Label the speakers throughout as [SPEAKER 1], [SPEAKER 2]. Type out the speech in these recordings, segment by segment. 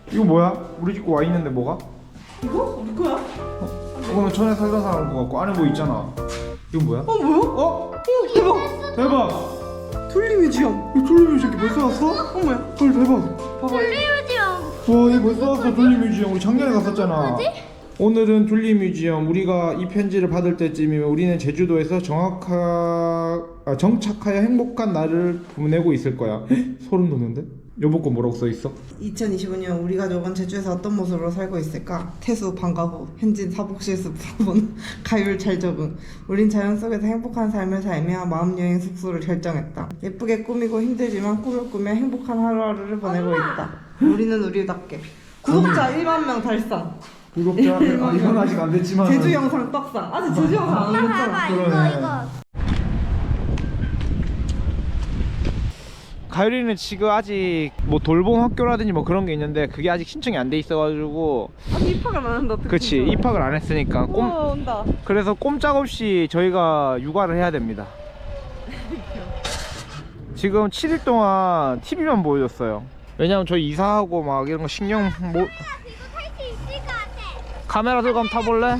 [SPEAKER 1] 이거 뭐야? 우리 집 거 와 있는데 뭐가?
[SPEAKER 2] 이거? 우리 거야?
[SPEAKER 1] 이거는 전에 살던 사람 거 같고 안에 뭐 있잖아. 이건 뭐야?
[SPEAKER 2] 뭐야?
[SPEAKER 1] 어?
[SPEAKER 2] 대박!
[SPEAKER 1] 대박!
[SPEAKER 2] 돌리뮤지엄.
[SPEAKER 1] 이 돌리뮤지엄 벌써 왔어?
[SPEAKER 2] 어머야.
[SPEAKER 1] 헐 대박.
[SPEAKER 2] 봐봐.
[SPEAKER 1] 와 얘 벌써 왔어. 돌리뮤지엄 우리 작년에 갔었잖아. 오늘은 둘리뮤지엄. 우리가 이 편지를 받을 때쯤이면 우리는 제주도에서 정착하여 행복한 날을 보내고 있을 거야. 소름 돋는데? 여보 거 뭐라고 써있어?
[SPEAKER 2] 2025년 우리 가족은 제주에서 어떤 모습으로 살고 있을까? 태수 방과후, 현진 사복실습 부분, 가율 잘 적응. 우린 자연 속에서 행복한 삶을 살며 마음여행 숙소를 결정했다. 예쁘게 꾸미고 힘들지만 꿈을 꾸며 행복한 하루하루를 보내고 있다. 우리는 우리답게. 구독자 1만 명 달성.
[SPEAKER 1] 구독자 이건 아직 안 됐지만
[SPEAKER 2] 제주 영상 떡상. 아직 제주 영상 안 올렸잖아.
[SPEAKER 1] 그러네. 가율이는 지금 아직 뭐 돌봄 학교라든지 뭐 그런 게 있는데 그게 아직 신청이 안 돼 있어가지고
[SPEAKER 2] 아직 입학을 안 한다.
[SPEAKER 1] 그치 입학을 안 했으니까
[SPEAKER 2] 온다.
[SPEAKER 1] 그래서 꼼짝없이 저희가 육아를 해야 됩니다. 지금 7일 동안 TV만 보여줬어요. 왜냐면 저희 이사하고 막 이런 거 신경 뭐 카메라 들고 한번 타볼래?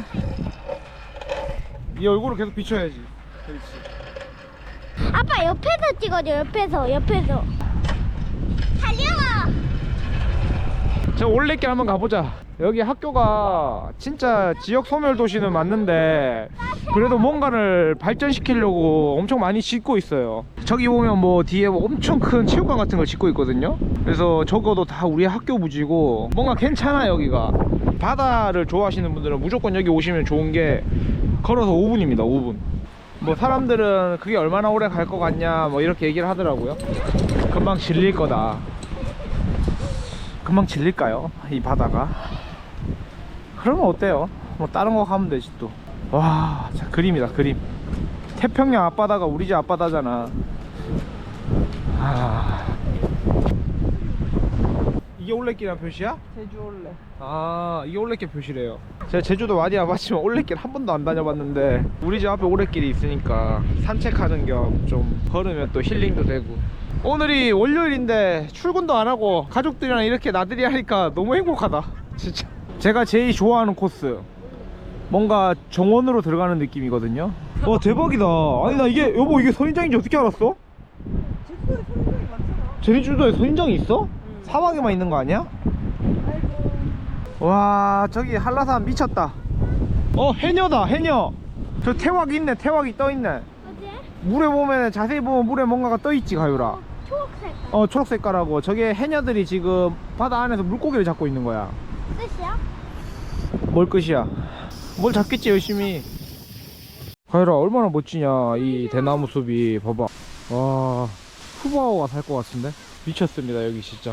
[SPEAKER 1] 이 얼굴을 계속 비춰야지. 그렇지.
[SPEAKER 3] 아빠 옆에서 찍어줘. 옆에서 달려와.
[SPEAKER 1] 저 올레길 한번 가보자. 여기 학교가 진짜 지역 소멸 도시는 맞는데 그래도 뭔가를 발전시키려고 엄청 많이 짓고 있어요. 저기 보면 뭐 뒤에 뭐 엄청 큰 체육관 같은 걸 짓고 있거든요. 그래서 적어도 다 우리 학교 부지고 뭔가 괜찮아. 여기가 바다를 좋아하시는 분들은 무조건 여기 오시면 좋은 게 걸어서 5분입니다 5분. 뭐 사람들은 그게 얼마나 오래 갈 것 같냐 뭐 이렇게 얘기를 하더라고요. 금방 질릴 거다. 금방 질릴까요? 이 바다가? 그러면 어때요? 뭐 다른 거 가면 되지 또. 와, 자 그림이다 그림. 태평양 앞바다가 우리 집 앞바다잖아. 아... 이게 올레길이란 표시야?
[SPEAKER 2] 제주 올래.
[SPEAKER 1] 아, 이게 올레길 표시래요. 제가 제주도 많이 와봤지만 올레길 한 번도 안 다녀봤는데 우리 집 앞에 올레길이 있으니까 산책하는 겸 좀 걸으면 또 힐링도 되고. 오늘이 월요일인데 출근도 안 하고 가족들이랑 이렇게 나들이 하니까 너무 행복하다 진짜. 제가 제일 좋아하는 코스, 뭔가 정원으로 들어가는 느낌이거든요. 와 대박이다. 아니 나 이게 여보 이게 선인장인지 어떻게 알았어?
[SPEAKER 2] 제주도에 선생님이 많잖아.
[SPEAKER 1] 제주도에 선인장이 있어? 사막에만 있는 거 아니야? 와 저기 한라산 미쳤다. 해녀다 해녀. 저 태왁 있네. 태왁이 떠있네.
[SPEAKER 3] 어디?
[SPEAKER 1] 물에 보면 자세히 보면 물에 뭔가가 떠있지 가유라.
[SPEAKER 3] 초록색.
[SPEAKER 1] 초록색깔하고 저게 해녀들이 지금 바다 안에서 물고기를 잡고 있는 거야.
[SPEAKER 3] 끝이야?
[SPEAKER 1] 뭘 끝이야? 뭘 잡겠지 열심히. 가유라 얼마나 멋지냐 이 대나무 숲이. 봐봐. 와 푸바오가 살 것 같은데? 미쳤습니다 여기 진짜.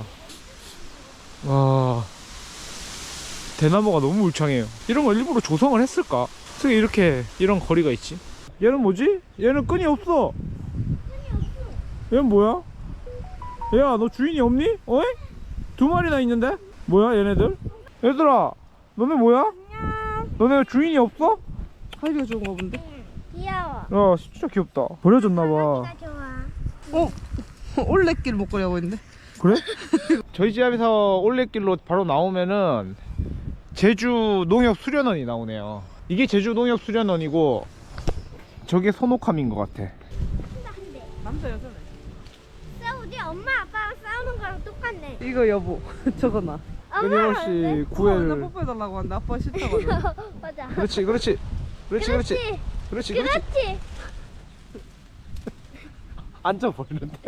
[SPEAKER 1] 와 대나무가 너무 울창해요. 이런 걸 일부러 조성을 했을까? 어떻게 이렇게 이런 거리가 있지? 얘는 뭐지? 얘는 끈이 없어. 얘는 뭐야? 야 너 주인이 없니? 어이? 두 마리나 있는데? 뭐야 얘네들? 얘들아 너네 뭐야?
[SPEAKER 3] 안녕.
[SPEAKER 1] 너네 주인이 없어?
[SPEAKER 2] 하이가 좋은 거 본데?
[SPEAKER 3] 귀여워.
[SPEAKER 1] 야 진짜 귀엽다. 버려졌나봐.
[SPEAKER 3] 나 좋아.
[SPEAKER 2] 올레길 먹거리 하고 있는데?
[SPEAKER 1] 그래? 저희 집 앞에서 올레길로 바로 나오면은 제주 농협 수련원이 나오네요. 이게 제주 농협 수련원이고 저게 선옥함인 것 같아.
[SPEAKER 2] 남자 여자네.
[SPEAKER 3] 우리 엄마 아빠랑 싸우는 거랑 똑같네.
[SPEAKER 2] 이거 여보. 저거 나.
[SPEAKER 1] 끊임없이
[SPEAKER 2] 나
[SPEAKER 1] 구애를.
[SPEAKER 2] 뽀뽀해달라고 하는데 아빠가 싫다고 하네.
[SPEAKER 3] 맞아.
[SPEAKER 1] 그렇지 그렇지 그렇지 그렇지 그렇지
[SPEAKER 3] 그렇지.
[SPEAKER 1] 앉아 버리는데.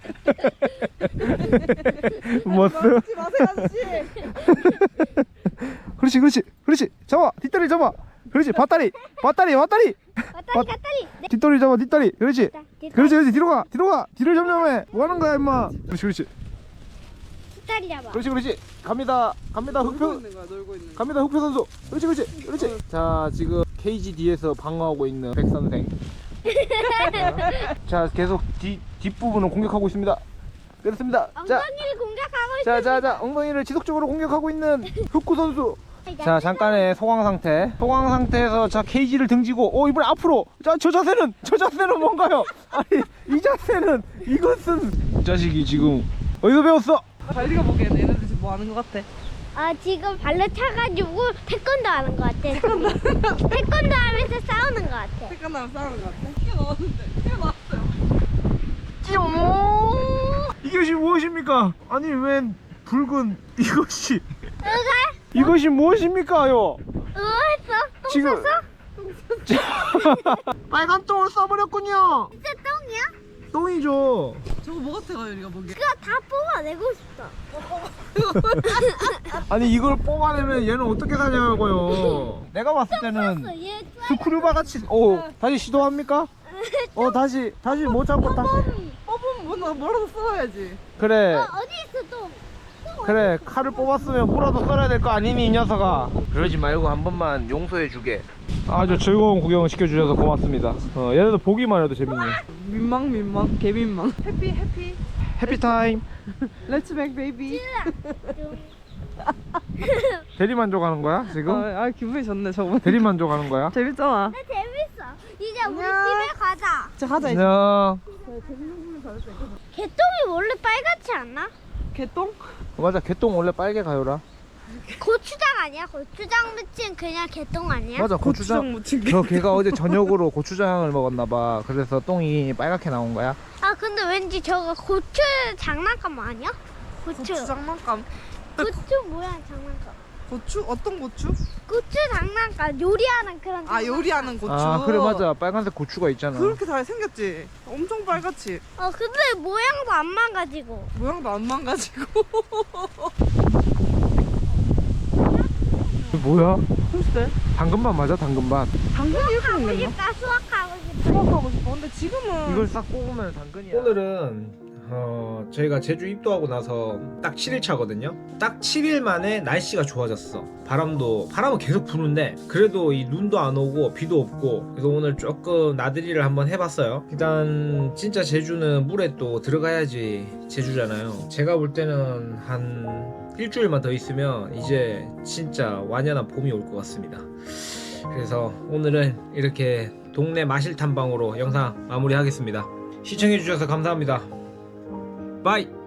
[SPEAKER 1] 뭐스?
[SPEAKER 2] 하지 마세요 아저씨.
[SPEAKER 1] 그렇지 그렇지 그렇지. 잡아 뒷다리 잡아. 그렇지 밧다리 밧다리 밧다리.
[SPEAKER 3] 밧다리 밧다리.
[SPEAKER 1] 뒷다리 잡아 뒷다리. 그렇지
[SPEAKER 3] 뒷다리.
[SPEAKER 1] 그렇지 그렇지. 뒤로 가 뒤로 가. 뒤를 점령해. 뭐 하는 거야 임마. 그렇지 그렇지
[SPEAKER 3] 뒷다리 잡아.
[SPEAKER 1] 그렇지 그렇지. 갑니다 갑니다
[SPEAKER 2] 놀고
[SPEAKER 1] 흑표.
[SPEAKER 2] 있는 거야 놀고 있는 거야.
[SPEAKER 1] 갑니다 흑표 선수. 그렇지 그렇지 그렇지. 자 지금 KGD에서 방어하고 있는 백 선생. 자 계속 뒷부분을 공격하고 있습니다. 그렇습니다. 자
[SPEAKER 3] 엉덩이를 공격하고 있어.
[SPEAKER 1] 자 엉덩이를 지속적으로 공격하고 있는 흑구 선수. 자 잠깐의 소강 상태에서 자 케이지를 등지고 이번에 앞으로. 자 저 자세는 뭔가요? 아니 이 자세는 이것은. 이 자식이 지금 어디서 배웠어?
[SPEAKER 2] 가일이가 보기에는 얘네들 지금 뭐 하는 거 같아?
[SPEAKER 3] 지금 발로 차가지고 태권도 하는 것 같아. 태권도 하면서 싸우는 것 같아.
[SPEAKER 2] 태권도랑 싸우는 것 같아. 튀어나왔는데. 튀어나왔어요.
[SPEAKER 1] 이것이 무엇입니까? 아니 웬 붉은 이것이
[SPEAKER 3] 누가?
[SPEAKER 1] 이것이 무엇입니까요?
[SPEAKER 3] 했어? 똥
[SPEAKER 1] 지금-
[SPEAKER 3] 쌌어?
[SPEAKER 1] 빨간 똥을 써버렸군요.
[SPEAKER 3] 진짜 똥이야?
[SPEAKER 1] 똥이죠.
[SPEAKER 2] 저거 뭐 같아 가율이가 보기에?
[SPEAKER 3] 그거 다 뽑아내고 싶다.
[SPEAKER 1] 아니 이걸 뽑아내면 얘는 어떻게 사냐고요. 내가 봤을 때는
[SPEAKER 3] 얘
[SPEAKER 1] 스크류바 같이. 오 다시 시도합니까? 다시 못 잡고 다시.
[SPEAKER 2] 뽑으면 뭐라도 써야지.
[SPEAKER 1] 그래
[SPEAKER 3] 어디 있어 똥?
[SPEAKER 1] 그래 칼을 뽑았으면 뭐라도 썰어야 될 거 아니니 이 녀석아. 그러지 말고 한 번만 용서해 주게. 아주 즐거운 구경을 시켜주셔서 고맙습니다. 얘네도 보기만 해도 재밌네.
[SPEAKER 2] 민망 개민망. 해피
[SPEAKER 1] 해피타임.
[SPEAKER 2] 렛츠백 베이비.
[SPEAKER 1] 대리만족하는 거야 지금?
[SPEAKER 2] 아 기분이 좋네 저번.
[SPEAKER 1] 대리만족하는 거야?
[SPEAKER 2] 재밌잖아.
[SPEAKER 3] 나 재밌어. 이제 우리
[SPEAKER 2] 안녕.
[SPEAKER 3] 집에 가자.
[SPEAKER 2] 자 가자 이제.
[SPEAKER 1] 안녕.
[SPEAKER 3] 개똥이 원래 빨갛지 않나?
[SPEAKER 2] 개똥?
[SPEAKER 1] 맞아 개똥 원래 빨개 가요라.
[SPEAKER 3] 고추장 아니야? 고추장 묻힌 그냥 개똥 아니야?
[SPEAKER 1] 맞아 고추장.
[SPEAKER 2] 묻힌 게.
[SPEAKER 1] 저 걔가 어제 저녁으로 고추장을 먹었나봐. 그래서 똥이 빨갛게 나온 거야.
[SPEAKER 3] 아 근데 왠지 저거 고추 장난감 아니야? 고추
[SPEAKER 2] 장난감.
[SPEAKER 3] 고추 모양 장난감.
[SPEAKER 2] 고추? 어떤 고추?
[SPEAKER 3] 고추 장난감 요리하는 그런
[SPEAKER 2] 아
[SPEAKER 3] 장난감.
[SPEAKER 2] 요리하는 고추.
[SPEAKER 1] 아 그래 맞아 빨간색 고추가 있잖아.
[SPEAKER 2] 그렇게 잘 생겼지. 엄청 빨갛지.
[SPEAKER 3] 근데 모양도 안 망가지고.
[SPEAKER 2] 모양도 안 망가지고.
[SPEAKER 1] 이거 뭐야?
[SPEAKER 2] 글쎄.
[SPEAKER 1] 당근밭 맞아 당근밭.
[SPEAKER 2] 당근이 이렇게
[SPEAKER 3] 하고
[SPEAKER 2] 생겼나?
[SPEAKER 3] 싶다 수학하고 싶다.
[SPEAKER 2] 수학하고 싶어. 근데 지금은
[SPEAKER 1] 이걸 싹 뽑으면 당근이야. 오늘은 저희가 제주 입도하고 나서 딱 7일 차거든요. 딱 7일 만에 날씨가 좋아졌어. 바람은 계속 부는데 그래도 이 눈도 안 오고 비도 없고. 그래서 오늘 조금 나들이를 한번 해봤어요. 일단 진짜 제주는 물에 또 들어가야지 제주잖아요. 제가 볼 때는 한 일주일만 더 있으면 이제 진짜 완연한 봄이 올 것 같습니다. 그래서 오늘은 이렇게 동네 마실 탐방으로 영상 마무리하겠습니다. 시청해주셔서 감사합니다. 바이.